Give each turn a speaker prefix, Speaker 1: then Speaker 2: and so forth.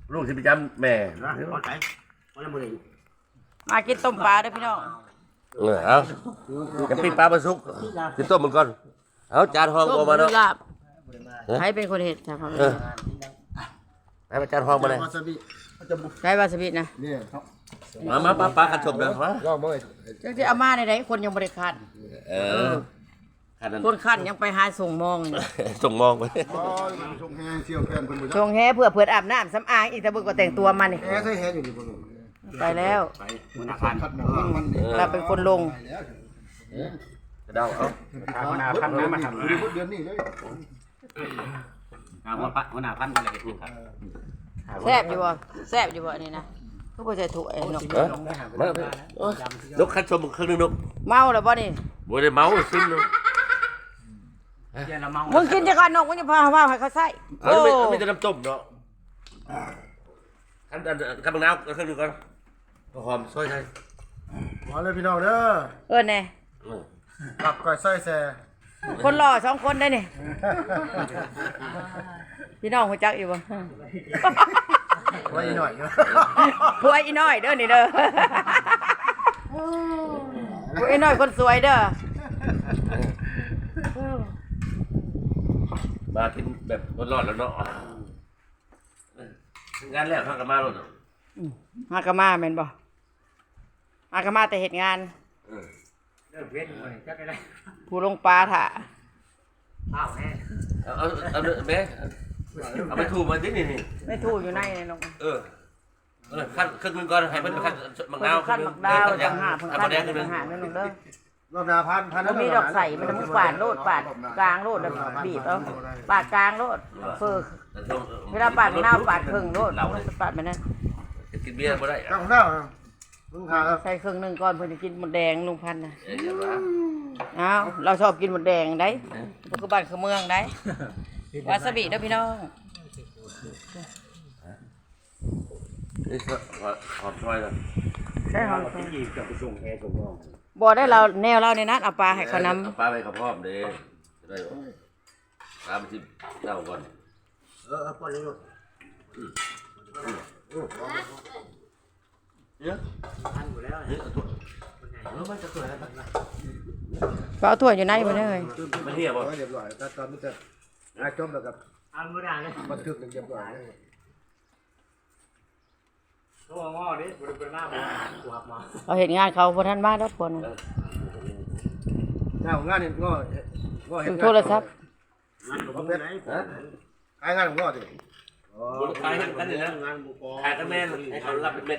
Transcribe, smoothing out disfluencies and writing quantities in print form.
Speaker 1: ลูกที่ไปจำแม่
Speaker 2: มากินต้มปลาเด้อพี่น้อง
Speaker 1: เอาจะปิ้งปลาปลาซุกกินต้มมันก่อนเอาจานห้อง
Speaker 2: ต้
Speaker 1: บ่มาเนาะ
Speaker 2: ลาบใครเป็นคนเห็ดจ้ะครับ
Speaker 1: ให้มาจานห้องมาเลย
Speaker 2: ใช้วาซาบินะ
Speaker 1: มาปลาขัดชมเลยมา
Speaker 2: จังที่เอามาในไหนคนยังบริคัน
Speaker 1: ขัดนั่น
Speaker 2: คนคันยังไปหาส่งมองอยู่
Speaker 1: ส่งมองไป
Speaker 3: ส่งแห่เสี่ยวแฟนเพิ่นบ่
Speaker 2: ส่งแห่เพื่ออาบน้ำสำอางอีกแต่บึกก็แต่งตัวมานี่
Speaker 3: แห่ใส่แห่อยู่นี่บ่รู้
Speaker 2: ไปแล้ว
Speaker 3: คัดหนังมันนี่
Speaker 2: เราเป็นคนลง
Speaker 1: จะเดาเอา
Speaker 4: หัวหน้าพันนะมาทำ
Speaker 3: อยู่เดือนนี้เลย
Speaker 4: หัวหน้าพันอะไรกันครับ
Speaker 2: แซ่บอยู่บ่แซ่บอยู่บ่นี่นะทุกคนใส่ถุงไอ้นก
Speaker 1: มานกขัดชมครึ่งนึงนก
Speaker 2: เมาแล้วบ่นี่
Speaker 1: บ่ได้เมาซึมนึง
Speaker 2: มึงกินจะก่อนนกมึงจะพาว่าให้เขาใส่
Speaker 1: เอาไม่จะน้ำต้มเนาะขั้นบางน้ำครึ่งนึงก่อนหอมซอยไทย
Speaker 3: มาเลยพี่น้องเด้อ
Speaker 2: แน่
Speaker 3: กับก้อยซอยแซ่
Speaker 2: คนหล่อสองคนได้นี่พี่น้องหัวจักอยู่บ่
Speaker 3: ไว้หน่อย
Speaker 2: ผัวอีน้อยเด้อนี่เด้อผัวอีน้อยคนสวยเด้อ
Speaker 1: มากินแบบร้อนๆแล้วเนาะงานแรกข้างกันมาแล้วเนาะ
Speaker 2: มากะมาแม่นบ่มากะมาแต่เฮ็ดงาน
Speaker 4: เริ่มเว้นเลยจักอะไร
Speaker 2: ผู้ลงปลาถ่า
Speaker 4: ข้าวแห้ง
Speaker 1: เอาแม่เอาไปถูมาดินี่
Speaker 2: ไม่ถูกอยู่ในนี่น้อง
Speaker 1: ขั้นครึ่งนึงก่อนให้มันขั้นมะนาว
Speaker 2: ขั้นมักดาวต่างหากเพิ่นขั้นต่างหากนั่นน้องเด้อ
Speaker 3: รอบหน้าพัน
Speaker 2: บ่มีดอกใส่มันต้องปาดโลดปาดกลางโลดแล้วบีบเอาปาดกลางโลดเฟอเวลาปาดมะนาวปาดครึ่งโลดต้องปาดไปนั่น
Speaker 1: กินเบียร์บ่ได้
Speaker 3: ตั้งหน้ามึงหา
Speaker 2: ใส่ครึ่งหนึงก่อนเพิ่นจะกินหมดแดงลุงพันธุ์น่ะอ้าวเราชอบกินหมดแดงได้บ่คือบ้านคือเมืองได้วาซาบิเด้อพี่น้อง
Speaker 1: หอมซอยเลย
Speaker 2: ใช่หอม
Speaker 4: ที่จะไปส่งแห่ส่งน้อง
Speaker 2: บ่ได้เราแนวเราในนั้นเอาปลาให้เขานำ
Speaker 1: ปลาไปกับพ่อมเด้จะได้ปลาไปที่เน่าก่อน
Speaker 3: ปล่อยเลยลูก
Speaker 4: พันอยู่แล้ว
Speaker 1: มันจะสวยนะ
Speaker 2: ก็เอาถ้วยอยู่ในบ่ได้เลย
Speaker 1: มันเหี้ยบ่
Speaker 3: เรียบร้อยแต่ตอนนี้จะจมแล้วกับ
Speaker 4: อันไม่ได้เลย
Speaker 3: บันทึกเรียบร้อย
Speaker 4: ตัวงอดิบริเวณหน้าบ้านกูหับมา
Speaker 2: เราเห็นงานเขาบ่ทันมาดอกคน
Speaker 3: งานนี่ก็เห็
Speaker 2: ถึ
Speaker 3: น
Speaker 2: งโทรศัพท์
Speaker 4: งานผมเป็นไหน
Speaker 3: ขายงานของก็ดิ
Speaker 1: ขายกันนี่นะขายกันแม่ให้เขารับเป็นเม็ด